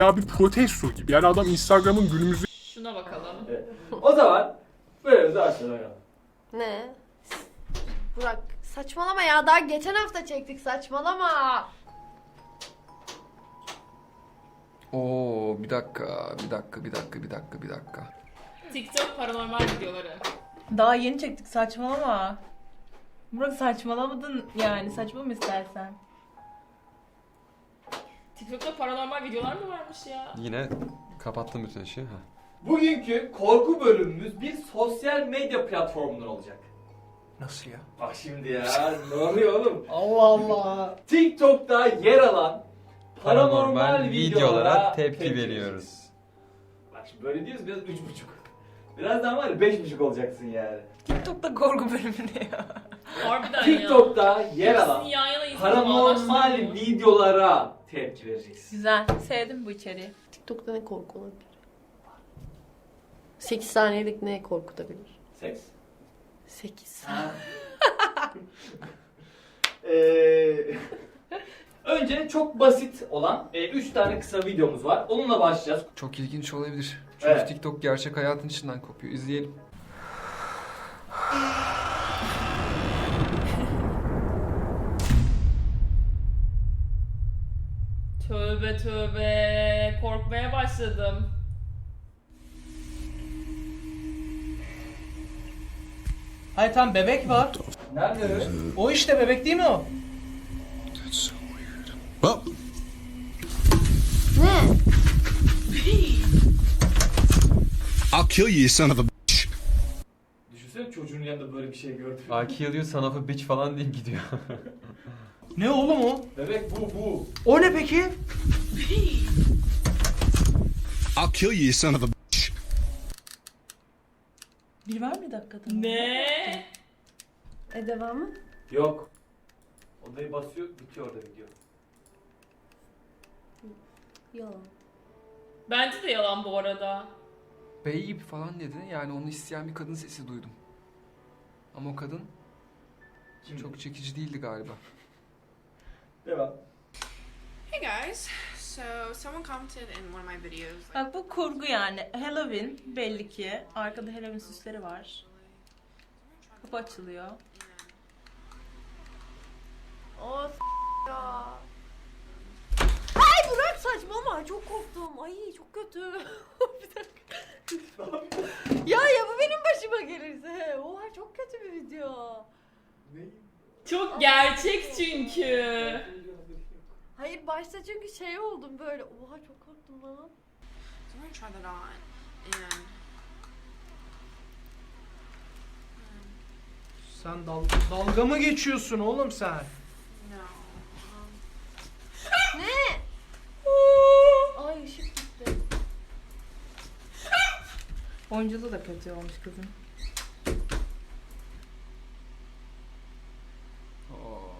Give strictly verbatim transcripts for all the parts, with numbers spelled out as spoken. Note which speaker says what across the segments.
Speaker 1: ya bir protesto gibi. Yani adam Instagram'ın günümüzde...
Speaker 2: Şuna bakalım.
Speaker 3: Evet. O zaman böyle de aşağıya.
Speaker 4: Ne? Burak saçmalama ya, daha geçen hafta çektik, saçmalama.
Speaker 5: Oo bir dakika, bir dakika, bir dakika, bir dakika, bir dakika.
Speaker 2: TikTok paranormal videoları.
Speaker 6: Daha yeni çektik, saçmalama. Burak saçmalamadın yani, saçma mı istersen?
Speaker 2: TikTok'ta paranormal videolar mı varmış ya?
Speaker 5: Yine kapattım bütün işi. Ha.
Speaker 3: Bugünkü korku bölümümüz bir sosyal medya platformundan olacak.
Speaker 1: Nasıl ya?
Speaker 3: Bak şimdi ya, ne oluyor oğlum?
Speaker 1: Allah Allah.
Speaker 3: TikTok'ta yer alan paranormal,
Speaker 5: Paranormal
Speaker 3: videolara,
Speaker 5: videolara tepki
Speaker 3: tepki
Speaker 5: veriyoruz.
Speaker 3: vereceğiz. Bak şimdi böyle diyoruz, biraz üç buçuk. Birazdan var ya beş buçuk olacaksın yani.
Speaker 6: TikTok'ta korku bölümü ne ya?
Speaker 2: Harbiden ya.
Speaker 3: TikTok'ta yer alan
Speaker 2: İkisini yan yana izleyip
Speaker 3: paranormal
Speaker 2: bağdaştırıyor.
Speaker 3: videolara tepki vereceksin.
Speaker 6: Güzel, sevdim bu içeriği.
Speaker 4: TikTok'ta ne korku olabilir? sekiz saniyelik ne korkutabilir?
Speaker 3: Seks.
Speaker 4: sekiz.
Speaker 3: Ee, önce çok basit olan üç tane kısa videomuz var. Onunla başlayacağız.
Speaker 5: Çok ilginç olabilir. Çünkü
Speaker 3: Evet.
Speaker 5: TikTok gerçek hayatın içinden kopuyor. İzleyelim.
Speaker 2: Tövbe tövbe. Korkmaya başladım.
Speaker 7: Hayır tam bebek var.
Speaker 3: Nerede?
Speaker 7: O işte bebek değil mi o?
Speaker 4: Ne?
Speaker 8: I'll kill you, you son of a bitch.
Speaker 3: Düşünsene çocuğun yanında böyle bir şey gördüm.
Speaker 5: I kill you son of a bitch falan deyip gidiyor.
Speaker 7: Ne oğlum o?
Speaker 3: Bebek bu bu.
Speaker 7: O ne peki?
Speaker 8: I'll kill you, you son of a bitch.
Speaker 6: Bir var mı dakikada?
Speaker 2: Ne?
Speaker 4: E devamı?
Speaker 3: Yok. Odayı basıyor, bitiyor orada video.
Speaker 4: Yalan.
Speaker 2: Bence de yalan bu arada.
Speaker 5: Babe falan dedi. Yani onu isteyen bir kadın sesi duydum. Ama o kadın
Speaker 3: Kim?
Speaker 5: çok çekici değildi galiba.
Speaker 3: Devam.
Speaker 9: Hey guys, so someone commented in one of my videos. Like,
Speaker 6: Bak bu kurgu yani. Halloween belli ki. Arkada Halloween süsleri var. Kapı açılıyor.
Speaker 4: O s- ya. Ay Burak saçmalama, çok korktum. Ay çok kötü. Bir dakika. ya ya bu benim başıma gelirse. Oha çok kötü bir video.
Speaker 3: Ne?
Speaker 2: Çok gerçek çünkü.
Speaker 4: Hayır başta çünkü şey oldum böyle. Oha çok korktum lan.
Speaker 9: so I'm gonna try that on, and
Speaker 7: Sen dal dalga mı geçiyorsun oğlum sen?
Speaker 9: no. Um,
Speaker 4: Ne? Ay ışık gitti.
Speaker 6: Oyunculuğu da kötü olmuş kızın.
Speaker 5: Oo.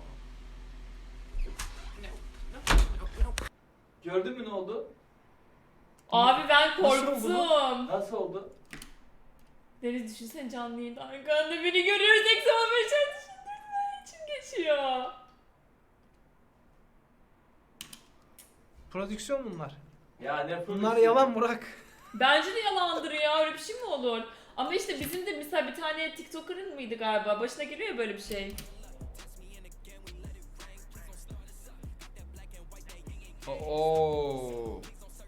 Speaker 3: Gördün mü ne oldu?
Speaker 2: Abi ben
Speaker 3: Nasıl
Speaker 2: korktum.
Speaker 3: Nasıl oldu?
Speaker 2: Deniz düşünsene canlı yayında arkanda beni görüyoruz. Eksi on beş ay düşündürme için geçiyor.
Speaker 7: Prodüksiyon bunlar.
Speaker 3: Ya ne
Speaker 7: Bunlar yalan Burak.
Speaker 2: Bence de yalandır ya, öyle bir şey mi olur? Ama işte bizim de mesela bir tane TikToker'ın mıydı galiba? Başına geliyor ya böyle bir şey.
Speaker 5: Oo.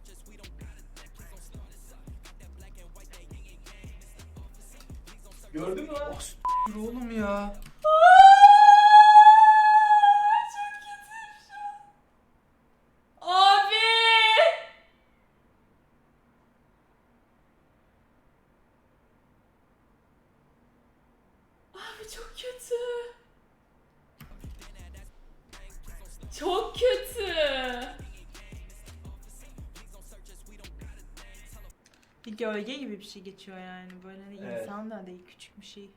Speaker 3: Gördün mü lan?
Speaker 7: Yürü oğlum ya.
Speaker 2: Abi! Abi çok kötü. Çok kötü.
Speaker 6: Bir gölge gibi bir şey geçiyor yani. Böyle hani
Speaker 3: Evet.
Speaker 6: insan da değil, küçük bir şey.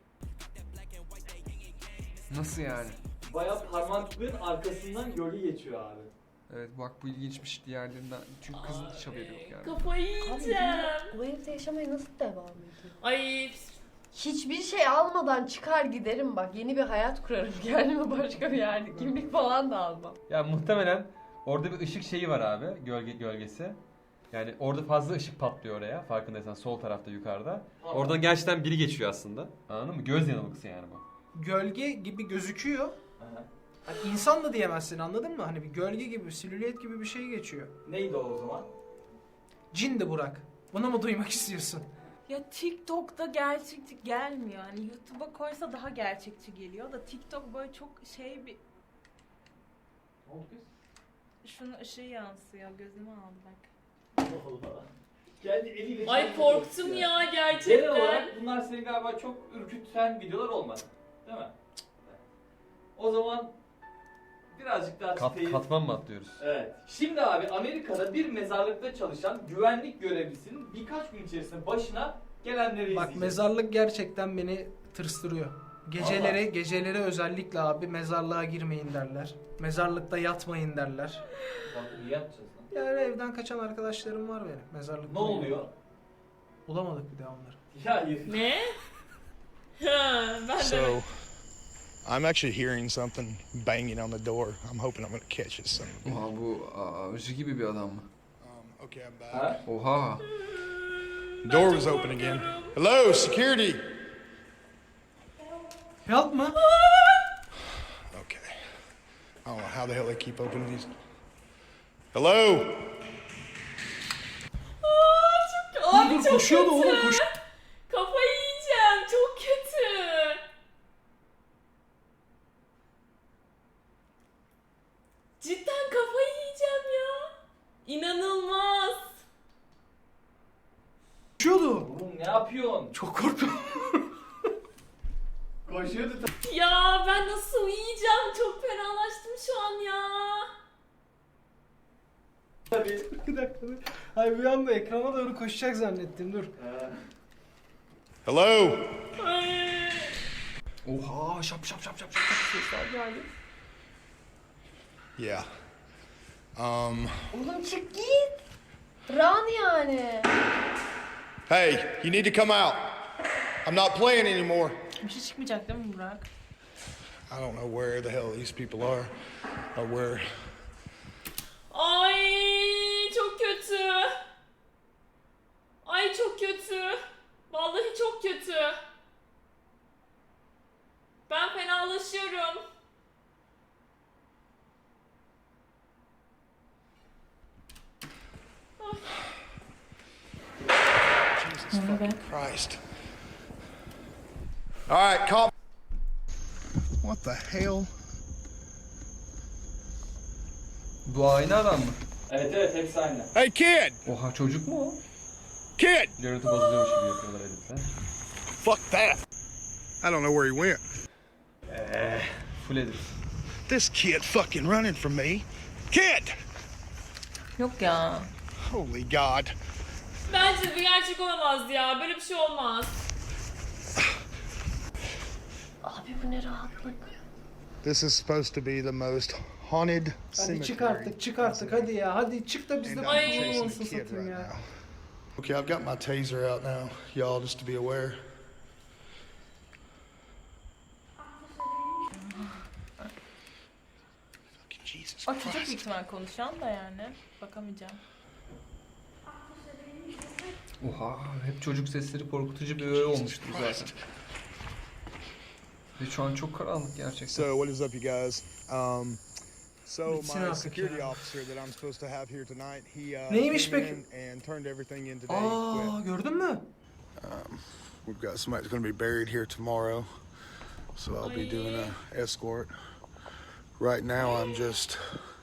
Speaker 5: Nasıl yani?
Speaker 3: Bayağı parmaklıkların arkasından gölge geçiyor abi.
Speaker 5: Evet bak bu ilginçmiş diğerlerinden. Çünkü kızın hiç haberi yok yani.
Speaker 2: Kafayı yiyeceğim.
Speaker 4: Bu evde yaşamaya nasıl devam ediyor?
Speaker 2: Ay
Speaker 4: Hiçbir şey almadan çıkar giderim bak. Yeni bir hayat kurarım kendime, başka bir yerde. Kimlik falan da almam.
Speaker 10: Ya muhtemelen orada bir ışık şeyi var abi, gölge gölgesi. Yani orada fazla ışık patlıyor oraya. Farkındaysan sol tarafta yukarıda.
Speaker 3: Tamam.
Speaker 10: Oradan gerçekten biri geçiyor aslında. Anladın mı? Göz yanılgısı yani bu.
Speaker 7: Gölge gibi gözüküyor.
Speaker 3: Aha.
Speaker 7: Hani insan da diyemezsin, anladın mı? Hani bir gölge gibi, silüet gibi bir şey geçiyor.
Speaker 3: Neydi o o zaman?
Speaker 7: Cin de Burak. Bunu mu duymak istiyorsun?
Speaker 6: Ya TikTok'ta gerçekçi gelmiyor. Hani YouTube'a koysa daha gerçekçi geliyor da TikTok böyle çok şey bir...
Speaker 3: Ne oldu kız?
Speaker 6: Şunun ışığı yansıyor. Gözüme aldı bak.
Speaker 3: Allah Allah. Geldi eliyle...
Speaker 2: Ay
Speaker 3: çekti
Speaker 2: korktum ya
Speaker 3: Genel
Speaker 2: gerçekten.
Speaker 3: olarak bunlar seni galiba çok ürküten videolar olmadı. Değil mi? O zaman birazcık daha
Speaker 10: Kat,
Speaker 3: çıtayı-
Speaker 10: katman mı atlıyoruz?
Speaker 3: Evet. Şimdi abi Amerika'da bir mezarlıkta çalışan güvenlik görevlisinin birkaç gün içerisinde başına gelenleri
Speaker 7: Bak
Speaker 3: izleyeceğiz.
Speaker 7: mezarlık gerçekten beni tırstırıyor. Geceleri, geceleri özellikle abi mezarlığa girmeyin derler. Mezarlıkta yatmayın derler.
Speaker 3: Bak niye yapacağız lan?
Speaker 7: Yani evden kaçan arkadaşlarım var benim mezarlıkta.
Speaker 3: Ne oluyor?
Speaker 7: Bulamadık bir daha onları.
Speaker 3: Ya hayır.
Speaker 2: Ne? Ha, ben de.
Speaker 8: So, I'm actually hearing something banging on the door. I'm hoping I'm gonna catch it soon.
Speaker 5: Oha bu avcı gibi bir adam mı?
Speaker 8: Um, okay, I'm back.
Speaker 3: Ha?
Speaker 5: Oha.
Speaker 8: Door was open again. Hello, security.
Speaker 7: Help mı?
Speaker 8: Okay. I don't know how the hell they keep opening these. Hello.
Speaker 2: Abi
Speaker 7: Dur,
Speaker 2: çok
Speaker 7: koşuyordu
Speaker 2: kötü.
Speaker 7: oğlum, koş-
Speaker 2: Kafayı yiyeceğim. Çok kötü. Cidden kafayı yiyeceğim ya. İnanılmaz.
Speaker 7: Koşuyordu.
Speaker 3: Oğlum ne yapıyorsun?
Speaker 7: Çok korktum.
Speaker 3: Koşuyordu
Speaker 2: Ya ben nasıl uyuyacağım? Çok fenalaştım şu an ya.
Speaker 3: tabii.
Speaker 7: Bir dakika dur. Hayır bir anda ekrana doğru koşacak zannettim, dur.
Speaker 3: Ha.
Speaker 8: Hello.
Speaker 2: Ay.
Speaker 5: Oha şap şap şap şap şap şap sesler geldi.
Speaker 8: Yeah. Um.
Speaker 4: Oğlum çık git. Run yani.
Speaker 8: Hey, you need to come out. I'm not playing anymore.
Speaker 6: Bir şey çıkmayacak değil mi Burak?
Speaker 8: I don't know where the hell these people are, or where.
Speaker 2: Ay çok kötü. Ay çok kötü. Vallahi çok kötü. Ben fenalaşıyorum.
Speaker 8: Jesus fucking Christ. All right, calm. What the hell?
Speaker 5: Bu aynı adam mı?
Speaker 3: Evet evet hepsi aynı.
Speaker 8: Hey, kid!
Speaker 5: Oha çocuk mu o?
Speaker 8: Kid!
Speaker 10: Görüntü bozuluyormuş gibi yapıyorlar editte.
Speaker 8: Fuck that! I don't know where he went.
Speaker 10: Full edit.
Speaker 8: This kid fucking running from me. Kid!
Speaker 6: Yok ya.
Speaker 8: Holy God.
Speaker 2: Bence bir gerçek olamaz ya. Böyle bir şey olmaz.
Speaker 4: Abi bu ne rahatlık.
Speaker 8: This is supposed to be the most haunted
Speaker 7: Hadi
Speaker 8: cemetery.
Speaker 7: çık artık, çık artık hadi ya. Hadi çık da biz
Speaker 8: And
Speaker 7: de
Speaker 8: I'm
Speaker 2: Ay.
Speaker 7: kurtulun
Speaker 8: chasing
Speaker 7: olsun
Speaker 8: the kid
Speaker 7: satayım
Speaker 8: right
Speaker 7: ya.
Speaker 8: now. Okay, I've got my taser out now, y'all, just to be aware. Fucking Jesus
Speaker 6: O çocuk
Speaker 8: Christ.
Speaker 6: büyük ihtimal konuşan da yani. Bakamayacağım.
Speaker 5: Oha hep çocuk sesleri korkutucu bir öğe olmuştu zaten. Ve şu an çok karanlık gerçekten.
Speaker 8: So, what is up, you guys? Um, so
Speaker 7: Bitsin
Speaker 8: my
Speaker 7: artık
Speaker 8: security
Speaker 7: ya.
Speaker 8: officer that I'm supposed to have here tonight, he uh,
Speaker 7: Neymiş
Speaker 8: came
Speaker 7: peki?
Speaker 8: in and turned everything in today.
Speaker 7: Aa
Speaker 8: Quit.
Speaker 7: gördün mü?
Speaker 8: Um, we've got somebody that's going to be buried here tomorrow, so I'll be doing a escort. Right now, I'm just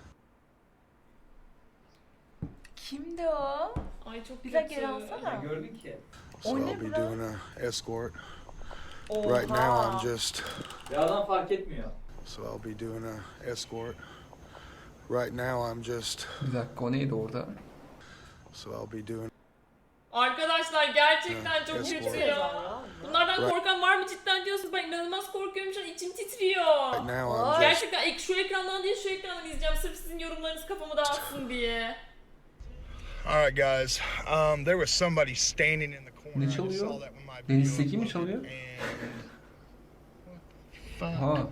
Speaker 6: Kimdi o?
Speaker 2: Ay çok
Speaker 6: Bir
Speaker 2: kötü.
Speaker 6: dakika geri alsana.
Speaker 3: Ne gördün ki?
Speaker 8: so
Speaker 6: O ne
Speaker 8: I'll be
Speaker 6: bro?
Speaker 8: doing a escort.
Speaker 6: Oha.
Speaker 8: Right now, I'm just
Speaker 3: Bir adam fark etmiyor.
Speaker 8: so I'll be doing a escort. Right now, I'm just
Speaker 5: Bir dakika o neydi orada?
Speaker 8: so I'll be doing.
Speaker 2: Arkadaşlar gerçekten çok
Speaker 8: Yes,
Speaker 2: kötü
Speaker 8: Lord.
Speaker 2: ya. Bunlardan
Speaker 8: Right.
Speaker 2: korkan var mı cidden diyorsunuz? Ben inanılmaz korkuyorum şu an, içim titriyor.
Speaker 8: Right now, I'm just.
Speaker 2: Gerçekten ek- şu ekrandan değil şu ekrandan izleyeceğim sırf sizin yorumlarınız kafamı dağıtsın diye.
Speaker 8: All right, guys. Um, there was somebody standing in the corner.
Speaker 5: Ne
Speaker 8: I just
Speaker 5: çalıyor?
Speaker 8: saw that when my
Speaker 5: Deniz
Speaker 8: video
Speaker 5: Seki mi
Speaker 8: uploaded,
Speaker 5: çalıyor?
Speaker 8: and- Fuck.
Speaker 5: Aha.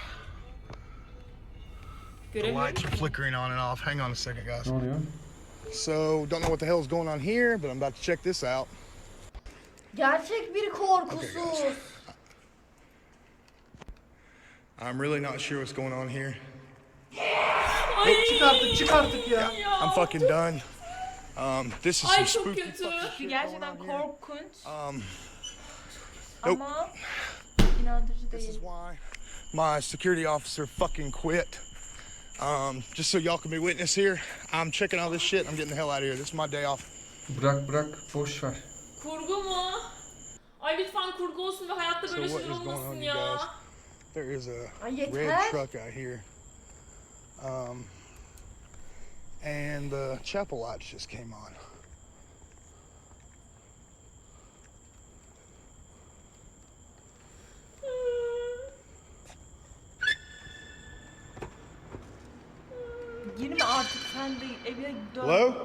Speaker 8: The
Speaker 2: Göremiyorum.
Speaker 8: lights are flickering on and off. Hang on a second, guys.
Speaker 10: Ne oluyor?
Speaker 8: So, don't know what the hell's going on here, but I'm about to check this out.
Speaker 4: Gerçek bir korkusuz.
Speaker 8: I'm really not sure what's going on here.
Speaker 2: Ay.
Speaker 7: Çık artık, çık artık ya.
Speaker 8: I'm fucking done. Um, this is
Speaker 2: Ay
Speaker 8: some
Speaker 2: çok
Speaker 8: spooky
Speaker 2: kötü.
Speaker 8: fucking shit going
Speaker 6: Gerçekten
Speaker 8: on here.
Speaker 6: korkunç
Speaker 8: Um, nope.
Speaker 6: ama inandırıcı
Speaker 8: This is
Speaker 6: değil.
Speaker 8: why my security officer fucking quit. Um, just so y'all can be witness here, I'm checking all this shit. I'm getting the hell out of here. This is my day off.
Speaker 5: Bırak bırak boş ver.
Speaker 2: Kurgu mu? Ay lütfen kurgu olsun ve hayatta
Speaker 8: So
Speaker 2: böyle
Speaker 8: what
Speaker 2: şeyler
Speaker 8: is going on,
Speaker 2: olmasın
Speaker 8: you
Speaker 2: ya.
Speaker 8: guys? There is a
Speaker 4: Ay
Speaker 8: red
Speaker 4: yeter.
Speaker 8: truck out here. Um, and the chapel lights just came on.
Speaker 6: Girme artık sen de evine dön.
Speaker 8: Hello?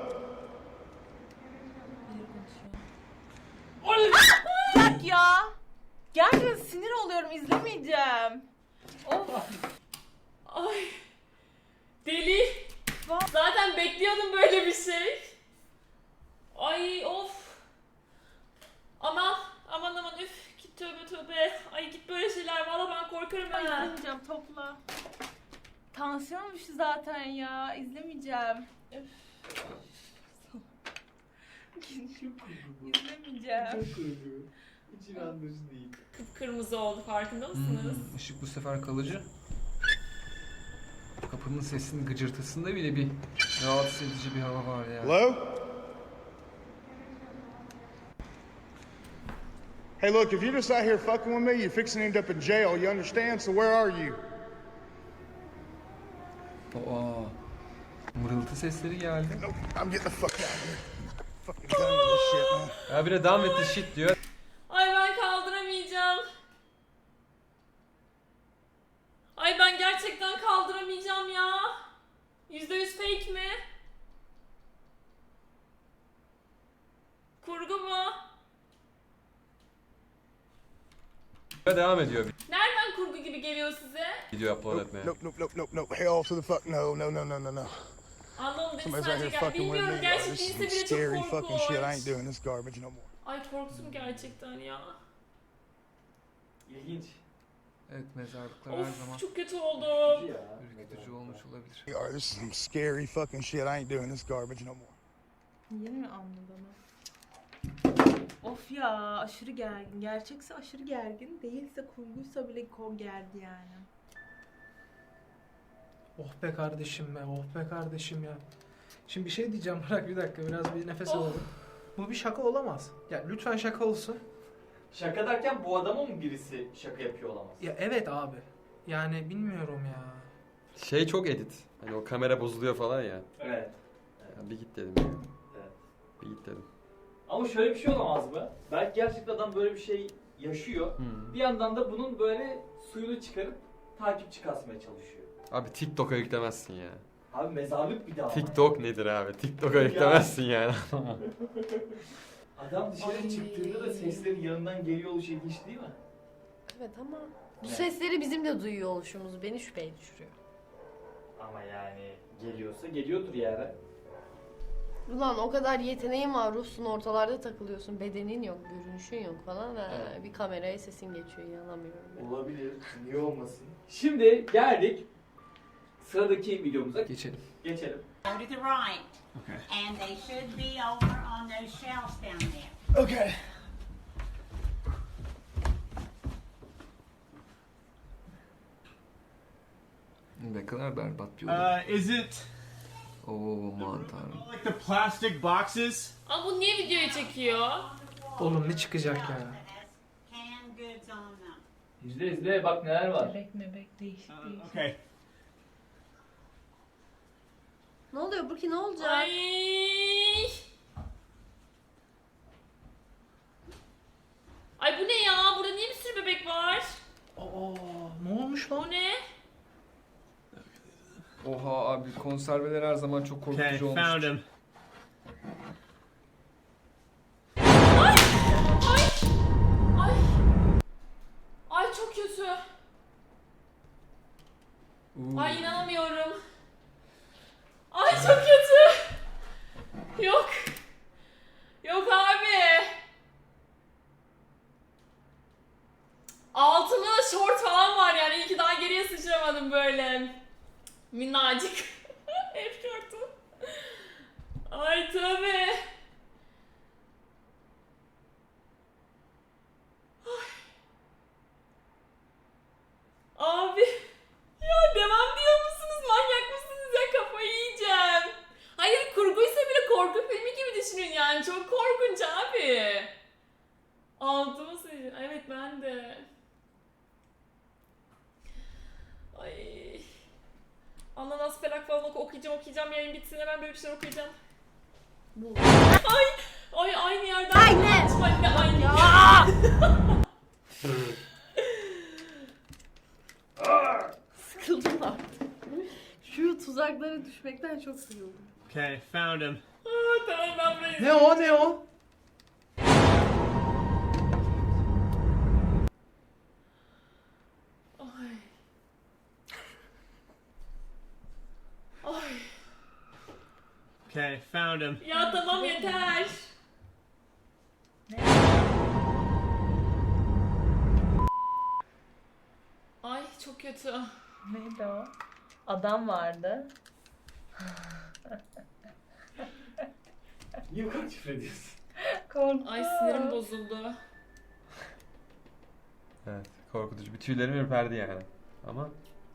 Speaker 6: Bırak ya. Gerçekten sinir oluyorum, izlemeyeceğim. Of.
Speaker 2: Ay. Deli. Zaten bekliyordum böyle bir şey. Ay of. Aman aman aman üf. Git tövbe tövbe. Ay git böyle şeyler. Valla ben korkarım
Speaker 6: Ay,
Speaker 2: ha.
Speaker 6: izlemeyeceğim, topla. Tansiyon düştü zaten ya, izlemeyeceğim. Öf. İzlemeyeceğim.
Speaker 3: Hiç inandırıcı değil.
Speaker 2: Kıpkırmızı oldu farkında mısınız?
Speaker 5: Hmm, ışık bu sefer kalıcı. Kapının sesinin gıcırtısında bile bir rahatsız edici bir hava var ya.
Speaker 8: Hello? Hey, look, if you're just out here fucking with me, you're fixing to end up in jail, you understand? So where are you?
Speaker 5: Aa, mırıltı sesleri geldi.
Speaker 8: Nope, I'm getting the fuck out of here. Fucking done with this shit, man.
Speaker 10: Ya bir de devam etti shit diyor.
Speaker 2: Ay ben kaldıramayacağım. Ay ben gerçekten kaldıramayacağım ya. Yüzde yüz fake mi? Kurgu mu?
Speaker 10: Devam ediyor
Speaker 2: Nereden kurgu gibi geliyor size?
Speaker 10: video upload
Speaker 8: Nope,
Speaker 10: etmeye.
Speaker 8: nope, nope, nope, nope, nope. Hell to the fuck no, no, no, no, no, no.
Speaker 2: Anlamadım
Speaker 8: Somebody's
Speaker 2: sadece
Speaker 8: out here
Speaker 2: gel.
Speaker 8: fucking with
Speaker 2: Bilmiyorum
Speaker 8: me. Oh,
Speaker 2: gerçek
Speaker 8: this is
Speaker 2: değilse
Speaker 8: some
Speaker 2: bile çok
Speaker 8: scary fucking shit. I ain't
Speaker 2: korkunç.
Speaker 8: doing this garbage no more.
Speaker 2: Ay korktum gerçekten ya.
Speaker 3: İlginç.
Speaker 5: Evet, mezarlıklar her zaman
Speaker 2: Of çok kötü oldu.
Speaker 3: Ya.
Speaker 5: ürkütücü olmuş olabilir.
Speaker 8: You are, this is some scary fucking shit. I ain't doing this garbage no more.
Speaker 6: Yeni mi anladı ama? Of ya, aşırı gergin. Gerçekse aşırı gergin, değilse kurguysa bile kor gerdi yani.
Speaker 7: Oh be kardeşim be, oh be kardeşim ya. Şimdi bir şey diyeceğim, bırak bir dakika, biraz bir nefes
Speaker 2: Oh.
Speaker 7: alalım. Bu bir şaka olamaz. Ya lütfen şaka olsun.
Speaker 3: Şaka derken bu adama mı birisi şaka yapıyor olamaz?
Speaker 7: Ya evet abi. Yani bilmiyorum ya.
Speaker 10: Şey çok edit. Hani o kamera bozuluyor falan ya.
Speaker 3: Evet.
Speaker 10: Ya bir git dedim ya.
Speaker 3: Evet.
Speaker 10: Bir git dedim.
Speaker 3: Ama şöyle bir şey olamaz mı? Belki gerçekten adam böyle bir şey yaşıyor.
Speaker 10: Hmm.
Speaker 3: Bir yandan da bunun böyle suyunu çıkarıp takipçi kasmaya çalışıyor.
Speaker 10: Abi TikTok'a yüklemezsin ya.
Speaker 3: Abi mezarlık bir daha.
Speaker 10: TikTok nedir abi? TikTok'a yüklemezsin yani.
Speaker 3: Adam dışarı
Speaker 4: Ay.
Speaker 3: çıktığında da seslerin yanından geliyor oluşu ilginç değil mi?
Speaker 4: Evet ama bu
Speaker 3: Evet.
Speaker 4: sesleri bizim de duyuyor oluşumuz beni şüpheye düşürüyor.
Speaker 3: Ama yani geliyorsa geliyordur yani.
Speaker 4: Ulan o kadar yeteneğin var, ruhsun, ortalarda takılıyorsun, bedenin yok, görünüşün yok falan ve
Speaker 3: Evet.
Speaker 4: bir kameraya sesin geçiyor, inanamıyorum ben.
Speaker 3: Olabilir. Niye olmasın? Şimdi geldik sıradaki videomuza.
Speaker 5: Geçelim.
Speaker 3: Geçelim.
Speaker 11: Go to the right. Okay. And they should be over on those shelves down there.
Speaker 8: Okay.
Speaker 5: Ne kadar berbat bir oyun.
Speaker 12: Uh, is it
Speaker 5: Oo aman tanrım.
Speaker 12: like the plastic boxes?
Speaker 2: Ama bu niye videoyu çekiyor?
Speaker 7: Oğlum ne çıkacak ya?
Speaker 11: Canned goods on them.
Speaker 3: İzle izle bak neler var.
Speaker 6: Bebek mebek değişik
Speaker 12: Uh,
Speaker 6: değişik.
Speaker 12: okay.
Speaker 4: Ne oluyor Burki, ne olacak?
Speaker 2: Ay. Ay bu ne ya? Burada niye bir sürü bebek var?
Speaker 7: Aa, ne olmuş lan?
Speaker 2: Bu ne?
Speaker 5: Oha abi, konserveler her zaman çok
Speaker 12: Okay,
Speaker 5: korkutucu
Speaker 12: found
Speaker 5: olmuş.
Speaker 12: him.
Speaker 2: Ay! Ay! Ay çok kötü.
Speaker 5: Uuu.
Speaker 2: Ay inanamıyorum. Ay çok kötü. Yok. Yok abi. Altımda da şort falan var yani. İyi ki daha geriye sıçramadım böyle. Minnacık. Hep şortum. Ay tabii. Abi. Ya devam diyor musunuz? Manyak mısınız ya? Kafayı yiyeceğim. Hayır kurguysa bile korku filmi gibi düşünün yani. Çok korkunç abi. Altıma sıçrayım. Evet ben de. Ay. Ananas felak falan oku- okuyacağım okuyacağım. Yayın bitsin hemen böyle bir şeyler okuyacağım.
Speaker 4: Bu.
Speaker 2: Ay. Ay aynı yerden.
Speaker 4: Aynen.
Speaker 2: Anne aynı.
Speaker 4: Ya. Sıkıldım artık. Şu tuzaklara düşmekten çok sıkıldım.
Speaker 12: Okay, found him.
Speaker 2: Aa, tamam ben burayı.
Speaker 7: Ne o ne o?
Speaker 2: Ay. Ay.
Speaker 12: Okay, found him.
Speaker 2: Ya tamam yeter. Ay çok kötü.
Speaker 6: Neydi o? Adam vardı.
Speaker 3: Niye bu kadar küfür ediyorsun?
Speaker 6: Korktum.
Speaker 2: Ay sinirim bozuldu.
Speaker 10: Evet, korkutucu. Bir tüylerim ürperdi yani. Ama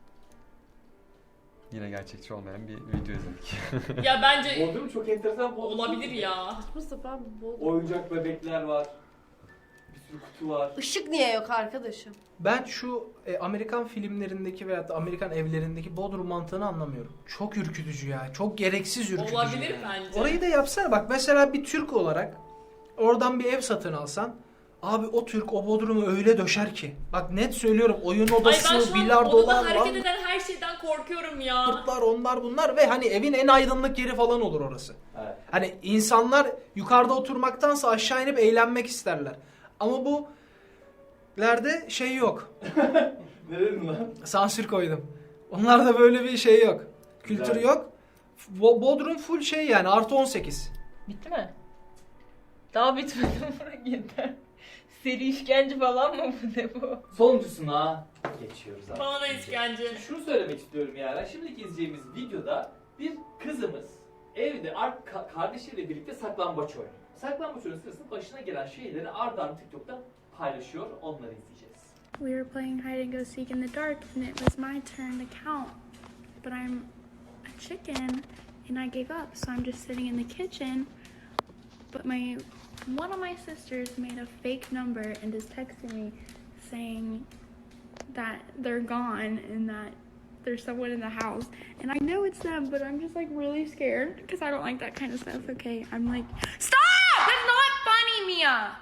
Speaker 10: yine gerçekçi olmayan bir video izledik.
Speaker 2: Ya bence
Speaker 3: Bodrum çok enteresan. Bodrum.
Speaker 2: olabilir ya.
Speaker 4: Saçma sapan bol.
Speaker 3: Oyuncak bebekler var. Bir sürü kutu var.
Speaker 4: Işık niye yok arkadaşım?
Speaker 7: Ben şu e, Amerikan filmlerindeki veyahut da Amerikan evlerindeki Bodrum mantığını anlamıyorum. Çok ürkütücü ya. Çok gereksiz ürkütücü.
Speaker 2: Olabilir
Speaker 7: yani.
Speaker 2: bence.
Speaker 7: Orayı da yapsana bak. Mesela bir Türk olarak oradan bir ev satın alsan, abi o Türk o Bodrum'u öyle döşer ki. Bak net söylüyorum, oyun
Speaker 2: Ay ben
Speaker 7: odası,
Speaker 2: şu an
Speaker 7: bilardolar,
Speaker 2: odada hareket
Speaker 7: lan,
Speaker 2: eden her şeyden korkuyorum ya.
Speaker 7: kurtlar, onlar bunlar ve hani evin en aydınlık yeri falan olur orası.
Speaker 3: Evet.
Speaker 7: Hani insanlar yukarıda oturmaktansa aşağı inip eğlenmek isterler. Ama bu lerde şey yok.
Speaker 3: Ne dedin lan?
Speaker 7: Sansür koydum. Onlarda böyle bir şey yok. Kültür
Speaker 3: Güzel.
Speaker 7: yok. Bo- Bodrum full şey yani artı on sekiz.
Speaker 6: Bitti mi? Daha bitmedi mi? Yeter. Seri işkence falan mı bu, ne bu?
Speaker 3: Sonuncusuna geçiyoruz artık.
Speaker 2: Bana da işkence.
Speaker 3: Şunu söylemek istiyorum yani. Şimdiki izleyeceğimiz videoda bir kızımız evde ar- ka- kardeşiyle birlikte saklambaç oynuyor. Saklambaç oyunu sırasında başına gelen şeyleri ard arda TikTok'ta paylaşıyor. Onları izleyeceğiz.
Speaker 13: We were playing hide and go seek in the dark, and it was my turn to count. But I'm a chicken, and I gave up, so I'm just sitting in the kitchen. But my one of my sisters made a fake number and is texting me saying that they're gone and that there's someone in the house. And I know it's them, but I'm just like really scared because I don't like that kind of stuff. Okay, I'm like, stop! That's not funny, Mia.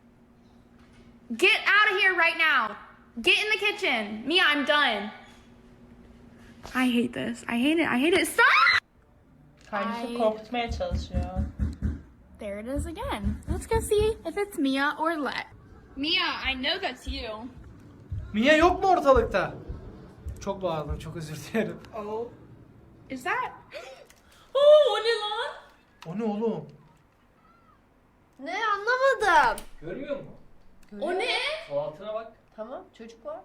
Speaker 13: Get out of here right now. Get in the kitchen. Mia, I'm done. I hate this. I hate it. I hate it. Stop!
Speaker 6: Kardeşi
Speaker 13: Ay.
Speaker 6: korkutmaya çalışıyor.
Speaker 13: There it is again. Let's go see if it's Mia or Let. Mia, I know that's you.
Speaker 7: Mia yok mu ortalıkta? Çok bağırdım, çok özür dilerim.
Speaker 13: Oh. Is that?
Speaker 2: Oo, o ne lan?
Speaker 7: O ne oğlum?
Speaker 4: Ne anlamadım.
Speaker 3: Görmüyor musun?
Speaker 2: O ne?
Speaker 3: Sol altına bak.
Speaker 4: Tamam çocuk var.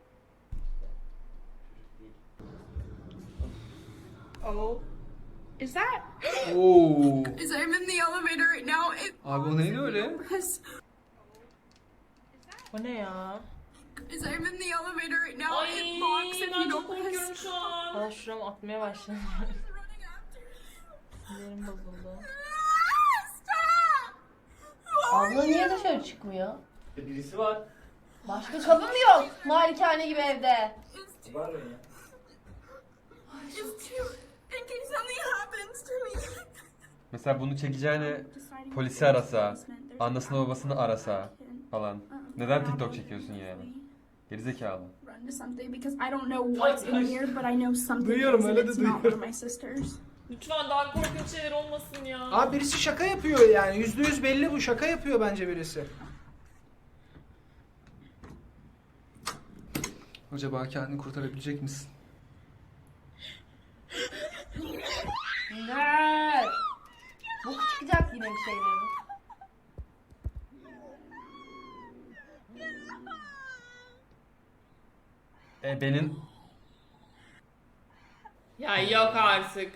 Speaker 13: Oh. Is that?
Speaker 5: Oo.
Speaker 13: Is I'm in the elevator right now. It
Speaker 5: Abi o neydi öyle?
Speaker 13: was.
Speaker 6: Bu ne ya?
Speaker 13: Is I'm in the elevator right now.
Speaker 2: Ay
Speaker 13: It locks if
Speaker 2: ben
Speaker 13: you
Speaker 2: çok
Speaker 13: don't
Speaker 2: korkuyorum
Speaker 13: press.
Speaker 2: şu an.
Speaker 6: Bana şuram atmaya başladı. Sinirim bozuldu.
Speaker 4: Abla niye dışarı çıkmıyor?
Speaker 3: E, birisi var.
Speaker 4: Başka kapı mı yok? Malikane gibi evde.
Speaker 3: Var mı ya?
Speaker 13: Just to, in case something happens to me.
Speaker 10: Mesela bunu çekeceğine polisi arasa, annesini babasını arasa falan. Neden TikTok çekiyorsun yani? Gerizekalı.
Speaker 13: Run to something because I don't know what's in here, but I know something
Speaker 7: Duyuyorum,
Speaker 13: is, and
Speaker 7: öyle de
Speaker 13: it's not one
Speaker 7: duyuyorum.
Speaker 13: of my sisters.
Speaker 2: Lütfen daha korkunç şeyler olmasın ya.
Speaker 7: Abi birisi şaka yapıyor yani. Yüzde yüz belli bu. Şaka yapıyor bence birisi.
Speaker 5: Acaba kendini kurtarabilecek misin?
Speaker 4: Ne? Bu çıkacak yine bir şeylerin.
Speaker 10: Ebenin
Speaker 2: Ya yok artık.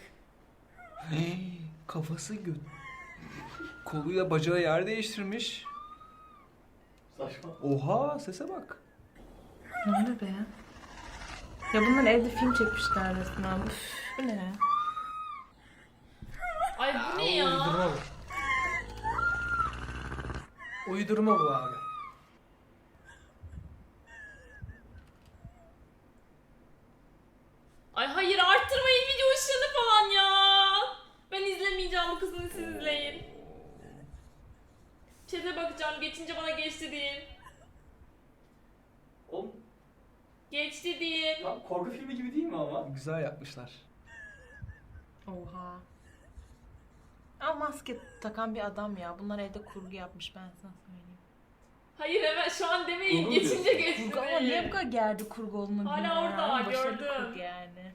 Speaker 5: Kafası gö... Koluyla bacağı yer değiştirmiş.
Speaker 3: Saçma.
Speaker 5: Oha sese bak.
Speaker 6: Ne oluyor be? Ya bunlar evde film çekmişler resmen. Üf, bu ne?
Speaker 2: Ay bu ne ya?
Speaker 7: Uydurma bu. Uydurma bu abi.
Speaker 2: Ay hayır arttırmayın video ışığını falan ya. Ben izlemeyeceğim bu kızını, siz izleyin. Chat'e bakacağım, geçince bana geçti deyin.
Speaker 3: Oğlum
Speaker 2: Geçti deyin.
Speaker 3: tam korku filmi gibi değil mi ama?
Speaker 5: Güzel yapmışlar.
Speaker 6: Oha. Ama maske takan bir adam ya. Bunlar evde kurgu yapmış, ben sana söyleyeyim.
Speaker 2: Hayır hemen şu an demeyin,
Speaker 3: Kurgu
Speaker 2: geçince
Speaker 3: diyorsun.
Speaker 2: geçti
Speaker 6: Kurgu ama
Speaker 2: deyin.
Speaker 6: niye bu kadar gerdi kurgu olduğunu
Speaker 2: Hala
Speaker 6: bilmiyorum.
Speaker 2: orada,
Speaker 6: Başarılı
Speaker 2: gördüm.
Speaker 6: kurgu yani.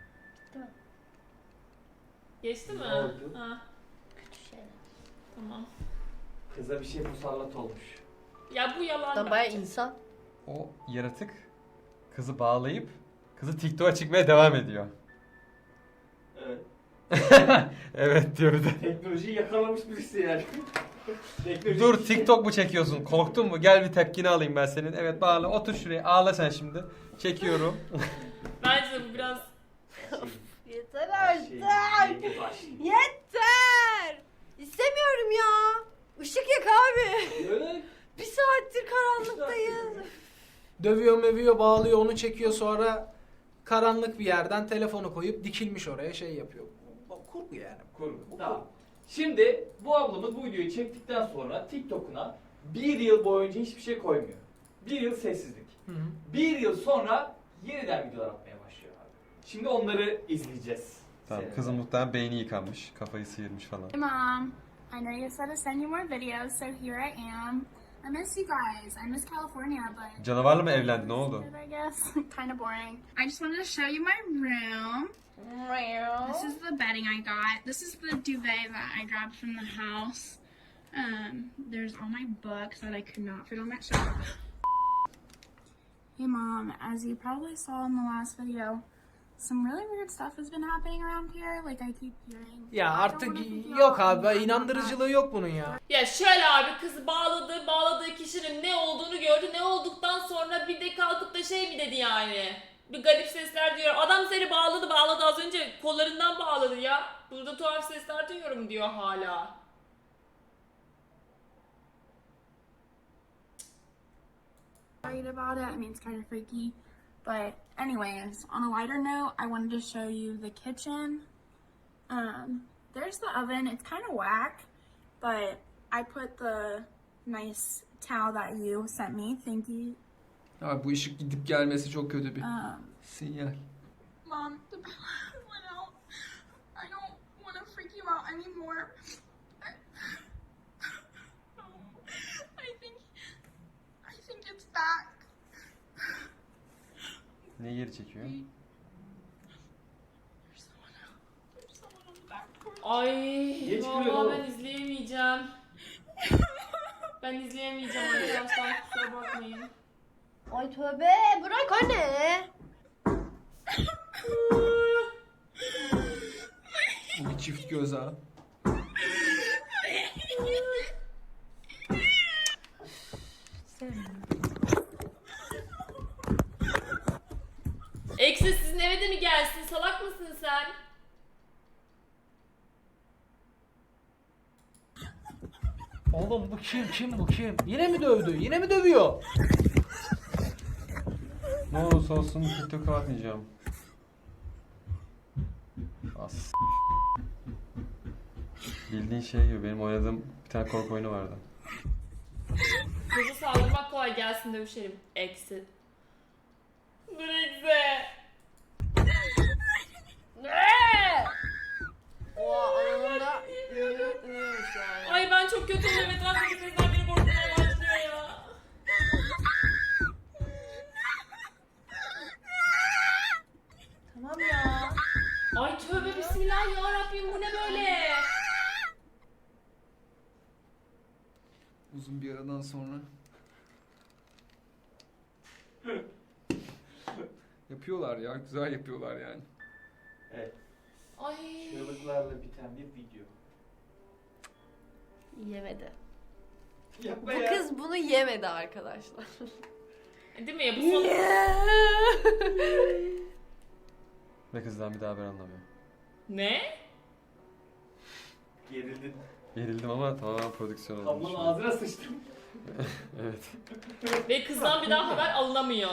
Speaker 2: Geçti mi?
Speaker 3: Ne oldu?
Speaker 2: Ha.
Speaker 4: Kötü şeyler.
Speaker 2: Tamam.
Speaker 3: Kıza bir şey musallat olmuş.
Speaker 2: Ya bu yalan
Speaker 4: Da baya
Speaker 2: bence.
Speaker 4: insan.
Speaker 10: o yaratık kızı bağlayıp kızı TikTok'a çıkmaya devam ediyor.
Speaker 3: Evet.
Speaker 10: Evet diyor bir de.
Speaker 3: Teknolojiyi yakalamış birisi yani. Teknoloji-
Speaker 10: Dur TikTok mu çekiyorsun? Korktun mu? Gel bir tepkini alayım ben senin. Evet bağla otur şuraya ağla sen şimdi. Çekiyorum.
Speaker 2: Bence de bu biraz...
Speaker 4: Yeter
Speaker 3: Şey,
Speaker 4: artık.
Speaker 3: yeni başlıyor.
Speaker 4: Yeter. İstemiyorum ya. Işık yak abi.
Speaker 3: Evet.
Speaker 4: Bir saattir karanlıktayız.
Speaker 7: Dövüyor mövüyor bağlıyor onu çekiyor sonra karanlık bir yerden telefonu koyup dikilmiş oraya şey yapıyor. Bu kurgu yani.
Speaker 3: Kurgu. Tamam. Şimdi bu ablamız bu videoyu çektikten sonra TikTok'una bir yıl boyunca hiçbir şey koymuyor. Bir yıl sessizlik.
Speaker 7: Hı hı.
Speaker 3: Bir yıl sonra yeniden videolar atmaya başlıyor abi. Şimdi onları izleyeceğiz.
Speaker 10: Tamam
Speaker 3: Seninle.
Speaker 10: kızın muhtemelen beyni yıkanmış. Kafayı sıyırmış falan.
Speaker 13: Hey Mom, I know you said to send you more videos, so here I am. I miss you guys. I miss California, but
Speaker 10: Canavarla mı evlendi? Ne oldu?
Speaker 13: I guess kind of boring. I just wanted to show you my room. This is the bedding I got. This is the duvet that I grabbed from the house. Um, there's all my books that I could not fit on that shelf. Hey Mom, as you probably saw in the last video, some really weird stuff has been happening around here. Like I keep hearing.
Speaker 7: Ya
Speaker 13: I don't
Speaker 7: artık
Speaker 13: wanna freak you
Speaker 7: yok
Speaker 13: out.
Speaker 7: abi
Speaker 13: I'm not
Speaker 7: inandırıcılığı yok bunun ya.
Speaker 2: Ya şöyle abi, kız bağladı, bağladığı kişinin ne olduğunu gördü. Ne olduktan sonra bir de kalkıp da şey mi dedi yani? Bir garip sesler diyor. Adam seni bağladı, bağladı az önce kollarından bağladı ya. Burada tuhaf sesler duyuyorum diyor hala.
Speaker 13: Worried about it. I mean, it's kind of freaky. But anyways, on a lighter note, I wanted to show you the kitchen. Um, there's the oven. It's kind of whack, but I put the nice towel that you sent me. Thank you.
Speaker 5: Abi bu ışık gidip gelmesi çok kötü bir
Speaker 13: Um,
Speaker 5: sinyal.
Speaker 13: Mom, the power went out. I don't want to freak you out anymore. I think, I think it's back.
Speaker 10: Ne geri çekiyor?
Speaker 13: There's someone out. There's someone on the back porch.
Speaker 2: Ay
Speaker 3: Geç
Speaker 2: vallahi
Speaker 3: kırıyor
Speaker 2: ben
Speaker 3: oğlum.
Speaker 2: izleyemeyeceğim. Ben izleyemeyeceğim arkadaşlar, kusura bakmayın.
Speaker 4: Ay tövbe bırak anne.
Speaker 5: Bir çift göz ha.
Speaker 2: Eksi sizin eve de mi gelsin? Salak mısın sen?
Speaker 7: Oğlum bu kim kim bu kim? Yine mi dövdü? Yine mi dövüyor?
Speaker 10: Ne olursa olsun TikTok'a atmayacağım. As. Bildiğin şey gibi benim oynadığım bir tane korku oyunu vardı.
Speaker 2: Kızı saldırmak kolay, gelsin dövüşelim. Eksi. Dur eksi.
Speaker 4: Ne? Oha anında ünlü ünlüymüş yani.
Speaker 2: Ay ben çok kötüyüm, evet etraftaki sesler beni korkutmaya başlıyor ya.
Speaker 6: Tamam ya.
Speaker 2: Ay tövbe bismillah ya Rabbim, bu ne böyle?
Speaker 5: Uzun bir aradan sonra. Yapıyorlar ya, güzel yapıyorlar yani.
Speaker 3: Evet.
Speaker 2: Ay.
Speaker 3: Çığlıklarla biten bir video.
Speaker 4: Yemedi.
Speaker 3: Yapma
Speaker 4: Bu
Speaker 3: ya.
Speaker 4: kız bunu yemedi arkadaşlar.
Speaker 2: Değil mi ya? Bu son...
Speaker 10: Ve kızdan bir daha haber anlamıyor.
Speaker 2: Ne?
Speaker 3: Gerildin.
Speaker 10: Gerildim ama tamamen prodüksiyon oldu.
Speaker 3: Ablanın ağzına sıçtım.
Speaker 10: Evet.
Speaker 2: Ve kızdan bir daha haber alınamıyor.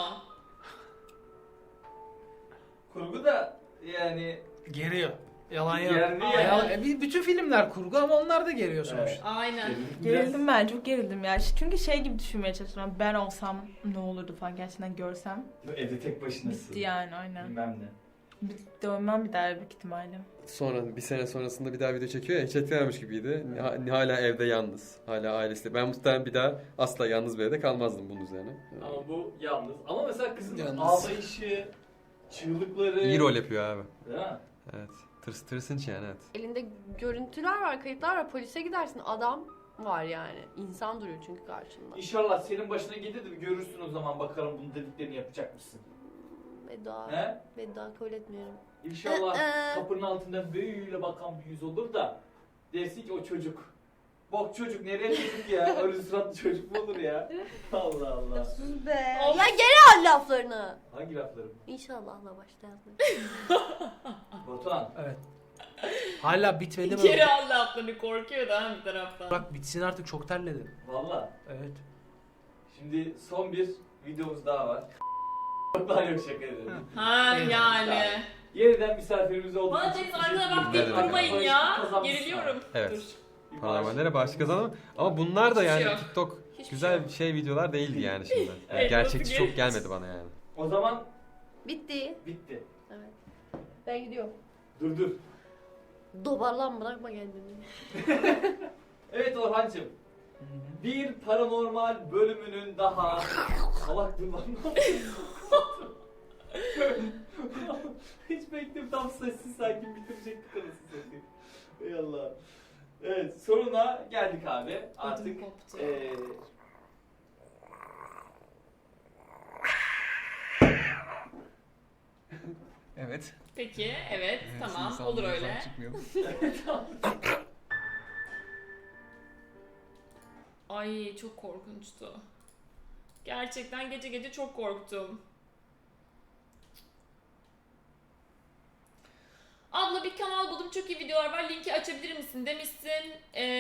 Speaker 3: Kurgu da yani
Speaker 7: Geriyor. Yalan yok.
Speaker 3: Gerdi
Speaker 7: Aa,
Speaker 3: ya.
Speaker 7: yalan- e, bir- bütün filmler kurgu ama onlar da geriyor sonuçta.
Speaker 3: Evet.
Speaker 2: Aynen.
Speaker 6: Gerildim ben, çok gerildim ya. Çünkü şey gibi düşünmeye çalışıyorum. Ben olsam ne olurdu falan gerçekten görsem.
Speaker 3: Evde tek başınasın.
Speaker 6: Bitti yani, aynen.
Speaker 3: Bilmem ne.
Speaker 6: Bir dönmem bir daha büyük ihtimalle.
Speaker 10: Sonra bir sene sonrasında bir daha video çekiyor ya, hiç etkilenmemiş gibiydi. Ha- Hala evde yalnız. Hala ailesiyle. Ben muhtemelen bir daha asla yalnız bir evde kalmazdım bunun üzerine.
Speaker 3: Ama bu yalnız. Ama mesela kızın
Speaker 5: Yalnız.
Speaker 3: ağlayışı, çığlıkları.
Speaker 10: İyi rol yapıyor abi.
Speaker 3: Değil mi?
Speaker 10: Evet. Tırs, tırsınç yani, evet.
Speaker 4: Elinde görüntüler var, kayıtlar var. Polise gidersin. Adam var yani. İnsan duruyor çünkü karşında.
Speaker 3: İnşallah senin başına gelir de bir görürsün o zaman, bakalım bunun dediklerini yapacak mısın?
Speaker 4: Veda.
Speaker 3: He?
Speaker 4: Veda kabul etmiyorum.
Speaker 3: İnşallah
Speaker 4: Ee,
Speaker 3: kapının altından böyle bakan bir yüz olur da dersin ki o çocuk. Bak çocuk, nereye çocuk ya? Öyle suratlı çocuk mu olur ya? Allah Allah.
Speaker 4: Sus be. Ya geri al laflarını.
Speaker 3: Hangi laflarım?
Speaker 4: İnşallahla başlayan.
Speaker 3: Batuhan.
Speaker 7: Evet. Hala bitmedi mi?
Speaker 2: Geri al laflarını, korkuyor da ha bir taraftan.
Speaker 7: Bak bitsin artık, çok terledim.
Speaker 3: Valla.
Speaker 7: Evet.
Speaker 3: Şimdi son bir videomuz daha var. Batuhan yok, şaka ederim.
Speaker 2: Ha
Speaker 7: Evet.
Speaker 2: yani.
Speaker 3: Yeniden misafirimiz olduğu
Speaker 2: Bana
Speaker 3: için
Speaker 2: Deniz
Speaker 3: teşekkür
Speaker 2: arkada bak
Speaker 3: ederim.
Speaker 2: deyip
Speaker 10: Ne demek?
Speaker 2: durmayın
Speaker 3: Bağış
Speaker 2: ya.
Speaker 3: kazanmışsın
Speaker 2: Geriliyorum.
Speaker 3: abi.
Speaker 10: Evet.
Speaker 2: Dur.
Speaker 3: Bir bağış-
Speaker 10: Paranormallere bağış kazandım. Ama bunlar da
Speaker 2: Hiçbir
Speaker 10: yani
Speaker 2: şey yok.
Speaker 10: TikTok
Speaker 2: Hiçbir şey
Speaker 10: güzel
Speaker 2: yok.
Speaker 10: şey videolar değildi yani şimdi. Yani
Speaker 2: Evet,
Speaker 10: gerçekçi
Speaker 2: nasıl
Speaker 10: çok gelmedi bana yani.
Speaker 3: O zaman
Speaker 4: Bitti.
Speaker 3: bitti.
Speaker 4: Evet. Ben gidiyorum.
Speaker 3: Dur dur.
Speaker 4: Dobarlan, bırakma kendini.
Speaker 3: Evet Orhancığım. Bir paranormal bölümünün daha... Salak dur lan. Hiç bekledim, tam sessiz sakin bitirecektik anasını satayım. Ey Allah. Evet, sonuna geldik abi. Artık
Speaker 2: koptu.
Speaker 3: eee
Speaker 5: Evet.
Speaker 2: Peki, evet,
Speaker 5: Evet,
Speaker 2: tamam,
Speaker 5: şimdi
Speaker 2: olur
Speaker 5: sandığımızdan
Speaker 2: öyle.
Speaker 5: çıkmayalım.
Speaker 2: Ay çok korkunçtu. Gerçekten gece gece çok korktum. Abla bir kanal buldum, çok iyi videolar var, linki açabilir misin demişsin. Ee,